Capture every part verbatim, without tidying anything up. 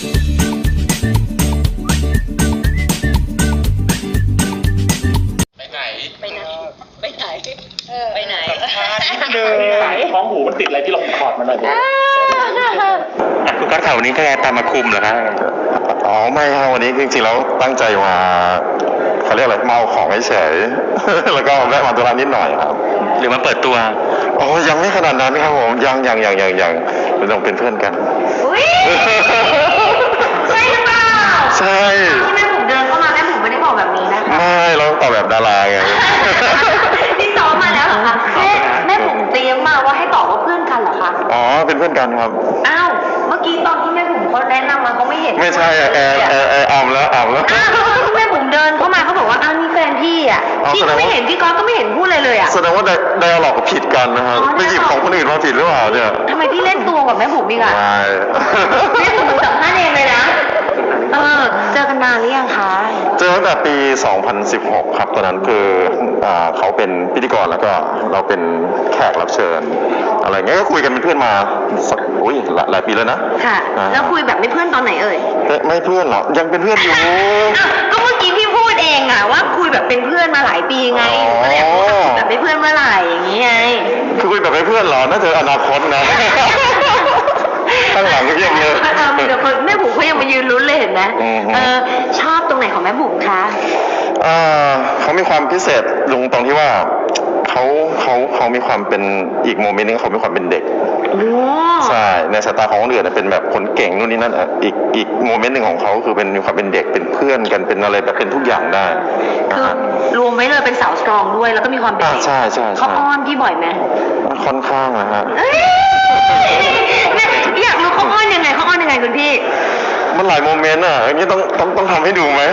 ไปไหนไปไหนไปไหนเออไปไหนเดินท้องหูมันติดอะไรที่เราถอดมันหน่อยดิคุณกั๊กข่าววันนี้ก็ตามมาคุมเหรอครับอ๋อไม่ครับวันนี้จริงๆแล้วตั้งใจมาเขาเรียกอะไรเมาของเฉยๆ แล้วก็แวะมาตัวร้านนิดหน่อยครับหรือมาเปิดตัวโอ้ยังไม่ขนาดนั้นครับผมยังยังยังยังยังเป็นต้องเป็นเพื่อนกันอุ้ยใช่หรือเปล่าใช่ที่แม่ผมเดินเข้ามาแม่ผมไม่ได้บอกแบบนี้นะคะไม่เราตอบแบบดาราไงที่ซ้อมมาแล้วเหรอคะแม่แม่ผมเตรียมมาว่าให้ตอบว่าเพื่อนกันเหรอคะอ๋อเป็นเพื่อนกันครับอ้าวเมื่อกี้ตอนที่แม่ผมเขาแนะนำมาเขาไม่เห็นไม่ใช่แอร์แอร์แอร์ออมแล้วออมแล้วอ้าวแม่ผมเดินเข้ามาเขาบอกว่าอ้าวนี่แฟนพี่อ่ะพี่ก็ไม่เห็นพี่ก๊อฟก็ไม่เห็นพูดเลยเลยอ่ะแสดงว่าไดอะล็อกผิดกันนะครับไปหยิบของคนอื่นมาผิดหรือเปล่าเนี่ยทำไมพี่เล่นตัวกับแม่ผมอีกอ่ะแม่ผมสัมภาษณ์เองเลยนะเออเจอกันนานหรือยังคะเจอตั้งแต่ปีสองพันสิบหกครับตอนนั้นคืออ่าเขาเป็นพิธีกรแล้วก็เราเป็นแขกรับเชิญอะไรเงี้ยก็คุยกันเป็นเพื่อนมาสักอุ้ยหลายปีแล้วนะค่ะแล้วคุยแบบไม่เพื่อนตอนไหนเอ่ยไม่เพื่อนหรอยังเป็นเพื่อนอยู่ก็เมื่อกี้พี่พูดเองอ่ะว่าคุยแบบเป็นเพื่อนมาหลายปีไงก็เลยคุยแบบไม่เพื่อนเมื่อไหร่อย่างนี้ไงคือคุยแบบไม่เพื่อนหรอน่าจะอนาคตนะข้างหลังก็ยังเยอะเดี๋ยวแม่บุ๋มเขายังมายืนลุ้นเลยเห็นไหมเออชอบตรงไหนของแม่บุ๋มคะเออเขามีความพิเศษลงตรงที่ว่าเขาเขาเขามีความเป็นอีกโมเมนต์นึงเขามีความเป็นเด็กใช่ในสายตาของคนอื่นเป็นแบบคนเก่งนู่นนี่นั่นอีกอีกโมเมนต์หนึ่งของเขาคือเป็นมีความเป็นเด็กเป็นเพื่อนกันเป็นอะไรแบบเป็นทุกอย่างได้คือรวมไว้เลยเป็นสาวสตรองด้วยแล้วก็มีความเป็นเด็กใช่ใช่เขาอ้อนพี่บ่อยไหมค่อนข้างนะฮะอยากรู้เขาอ้อนยังไงเขาอ้อนยังไงคุณพี่มันหลายโมเมนต์อ่ะอย่างนี้ต้องต้องต้องทำให้ดูไหม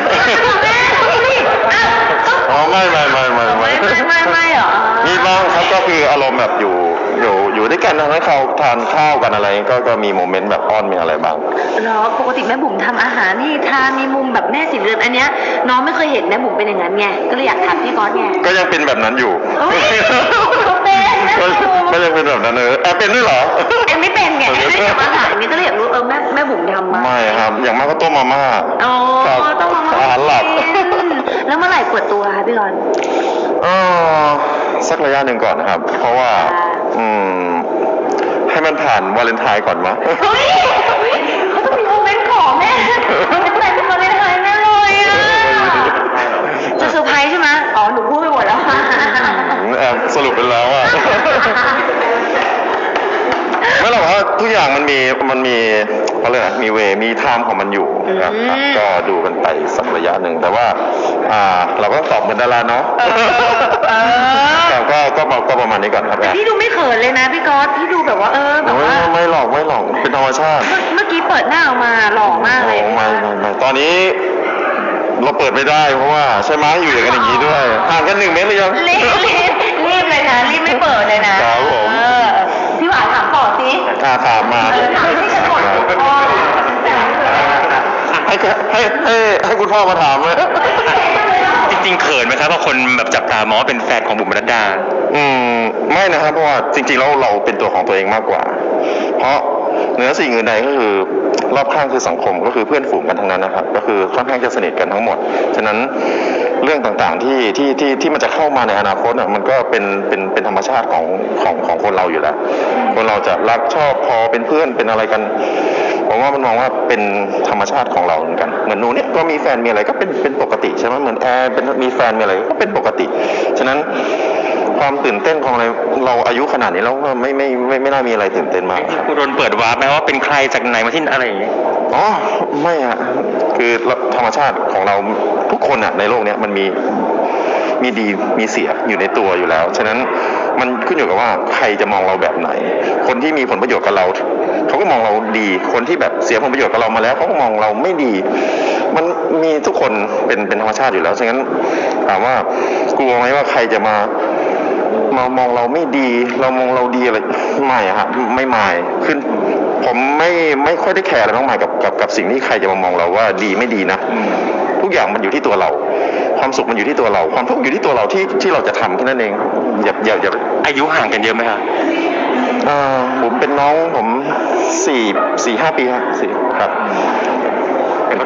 อ๋อไม่ไม่ไม่ไม่ไม่ไม่ไม่เหรอมีบ้างครับก็คืออารมณ์แบบอยู่อยู่อยู่ด้วยกันนะให้เขาทานข้าวกันอะไรก็ก็มีโมเมนต์แบบอ้อนมีอะไรบ้างเหรอปกติแม่บุ๋มทำอาหารนี่ทานมีมุมแบบแม่สีเรือนอันเนี้ยน้องไม่เคยเห็นแม่บุ๋มเป็นอย่างนั้นไงก็เลยอยากถามพี่ก๊อตไงก็ยังเป็นแบบนั้นอยู่เป็นก็ยังเป็นแบบนั้นเออแอบเป็นด้วยเหรอแอบไม่เป็นไงแอบไม่ทำอาหารนี่ก็เลยอยากรู้เออแม่แม่บุ๋มทำมาไม่ครับอย่างมากก็ต้มมาม่าอ๋อต้มมาม่าอาหารหลักแล้วเมื่อไหร่เปิดตัวคะพี่ก๊อตเออสักระยะหนึ่งก่อนนะครับ เพราะว่าอืมให้มันผ่านวาเลนไทน์ก่อนมั้ยเฮ้ยเขาต้องมีโมเมนต์ขอแม่เป็นแต่เป็นวาเลนไทน์แม่เลยอ่ะจะเซอร์ไพรส์ใช่ไหมอ๋อหนูพูดไปหมดแล้วแอบสรุปไปแล้วอ่ะไม่หรอกว่าทุกอย่างมันมีมันมีเขาเรียกอะไรมีเวมีไทม์ของมันอยู่นะครับก็ดูกันไปสักระยะหนึ่งแต่ว่าอ่าเราก็ตอบเหมือนดาราเนาะแต่ก็ก็ก็ประมาณนี้ก่อนครับแต่พี่ดูไม่เขินเลยนะพี่ก๊อตพี่ดูแบบว่าเออแบบว่าไม่หลอกไม่หลอกเป็นธรรมชาติเมื่อกี้เปิดหน้าออกมาหล่อมากเลยไม่ไม่ไม่ตอนนี้เราเปิดไม่ได้เพราะว่าใช่ไหมอยู่อย่างกันอย่างนี้ด้วยห่างกันหนึ่งเมตรเลยยังรีบรีบรีบเลยนะรีบไม่เปิดเลยนะครับผมพี่หวานถามต่อสิถามมาถามที่ฉันหมดพ่อให้ให้ให้ให้คุณพ่อมาถามเลยจริงๆเขินไหมครับว่าคนแบบจับตามองว่าเป็นแฟนของบุ๋มปนัดดาอืมไม่นะครับเพราะว่าจริงๆแล้วเราเป็นตัวของตัวเองมากกว่าเพราะเหนือสิ่งอื่นใดก็คือรอบข้างคือสังคมก็คือเพื่อนฝูงกันทั้งนั้นนะครับก็คือค่อนข้างจะสนิทกันทั้งหมดฉะนั้นเรื่องต่างๆที่ที่ที่ที่มันจะเข้ามาในอนาคตอ่ะมันก็เป็นเป็นเป็นธรรมชาติของของของคนเราอยู่แล้วคนเราจะรักชอบพอเป็นเพื่อนเป็นอะไรกันผมว่ามันมองว่าเป็นธรรมชาติของเราเหมือนกันเหมือนหนูเนี่ยก็มีแฟนมีอะไรก็เป็นเป็นปกติใช่ไหมเหมือนแอร์เป็นมีแฟนมีอะไรก็เป็นปกติฉะนั้นความตื่นเต้นของอะไรเราอายุขนาดนี้แล้วไม่ไม่ไม่ไม่น่ามีอะไรตื่นเต้นมากคุณโดนเปิดวาร์ปไหมว่าเป็นใครจากไหนมาที่อะไรอย่างเงี้ยอ๋อไม่อะคือธรรมชาติของเราทุกคนอะในโลกนี้มันมีมีดีมีเสียอยู่ในตัวอยู่แล้วฉะนั้นมันขึ้นอยู่กับว่าใครจะมองเราแบบไหนคนที่มีผลประโยชน์กับเราเขาก็มองเราดีคนที่แบบเสียผลประโยชน์กับเรามาแล้วเขาก็มองเราไม่ดีมันมีทุกคนเป็นเป็นธรรมชาติอยู่แล้วฉะนั้นถามว่ากลัวไหมว่าใครจะมามามองเราไม่ดีเรามองเราดีอะไรไม่ฮะไม่ไม่ขึ้นผมไม่ไม่ค่อยได้แคร์อะไรมากมายกับกับกับสิ่งที่ใครจะมามองเราว่าดีไม่ดีนะทุกอย่างมันอยู่ที่ตัวเราความสุขมันอยู่ที่ตัวเราความทุกข์อยู่ที่ตัวเราที่ที่เราจะทำแค่นั้นเองอย่าอย่าอย่าอายุห่างกันเยอะไหมครับอ่าผมเป็นน้องผมสี่สี่ห้าปีครับสี่ครับ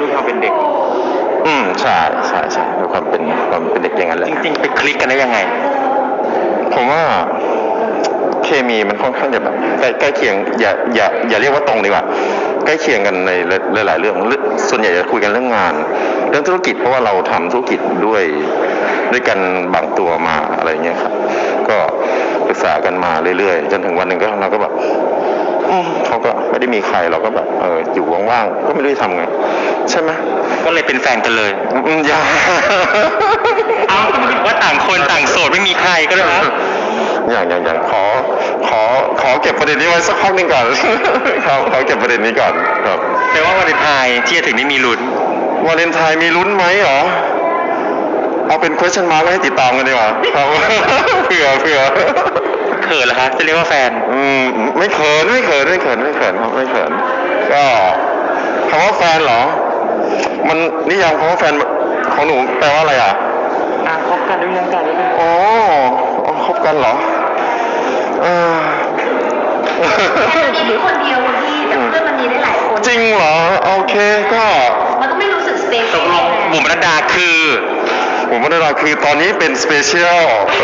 ด้วยความเป็นเด็กอืมใช่ใช่ใช่ด้วยความเป็นความเป็นเด็กอย่างนั้นแหละจริงๆไปคลิกกันได้ยังไงผมว่าเคมีมันค่อนข้างจะแบบใกล้ใกล้เคียงอย่าอย่าอย่าเรียกว่าตรงดีกว่าใกล้เคียงกันในหลายๆเรื่องส่วนใหญ่จะคุยกันเรื่องงาน เรื่องธุรกิจเพราะว่าเราทำธุรกิจด้วยด้วยกันบางตัวมาอะไรเงี้ยครับก็ปรึกษากันมาเรื่อยๆจนถึงวันหนึ่งก็เราก็แบบอืมเขาก็ไม่ได้มีใครเราก็แบบเอออยู่ว่างๆก็ไม่รู้จะทำไงใช่ไหมก็เลยเป็นแฟนกันเลยอืมอย่าเอาก็ไม่ได้บอกว่าต่างคนต่างโสดไม่มีใครก็เลยนะอย่างอย่างอย่างขอขอขอเก็บประเด็นนี้ไว้สักพักหนึ่งก่อน ครับขอเก็บประเด็นนี้ก่อนครับแปลว่าวันเลนไทน์ที่จะถึงนี้มีลุ้นวาเลนไทน์มีลุ้นไหมเหรอเอาเป็น question mark ไว้ให้ติดตามกันดีกว่าครับ เผื่อเผื่อเขินเหรอคะจะเรียกว่าแฟนอืมไม่เขินไม่เขินไม่เขินไม่เขินครับไม่เขินก็คำว่าแฟนเหรอ มันนิยามคำว่าแฟนของหนูแปลว่าอะไรอ่ะอ่ะคบกันด้วยยังกันด้วยอ๋ออ๋อคบกันเหรอเออแต่มันมีคนเดียวคนที่แต่เพื่อนมันมีได้หลายคนจริงเหรอ โอเคก็มันก็ไม่รู้สึกสเปตเชียกลลงบุ๋มรัตดาคือผมว่าเราคือตอนนี้เป็นสเปเชียล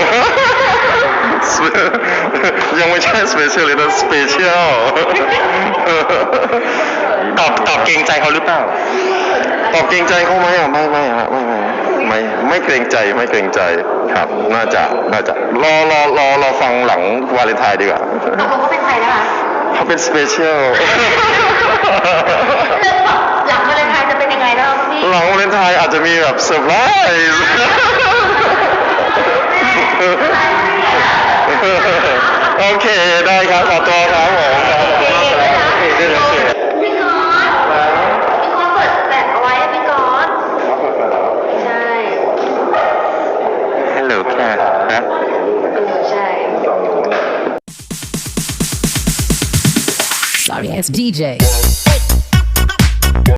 ยังไม่ใช่สเปเชียลเลยนะสเปเชียลตอบตอบเกรงใจเขาหรือเปล่าตอบเกรงใจเขาไหมอ่ะไม่ไม่ฮะไม่ไม่ไม่ไม่เกรงใจไม่เกรงใจครับ น่าจะน่าจะรอรอรอรอฟังหลังวาเลนไทน์ดีกว่าตกลงเขาเป็นใครนะคะเขาเป็นสเปเชียลเรื่องแบบหลังวาเลนไทน์จะเป็นยังไงแล้วพี่หลังวาเลนไทน์อาจจะมีแบบเซอร์ไพรส์ โอเคได้ครับขอตัวครับผมครับขอบคุณมากครับโอเคได้เลยพี่ก๊อตพี่ก๊อตเปิดแบตเอาไว้พี่ก๊อตใช่ฮัลโหลค่ะนะเออใช่ Sorry ass D J.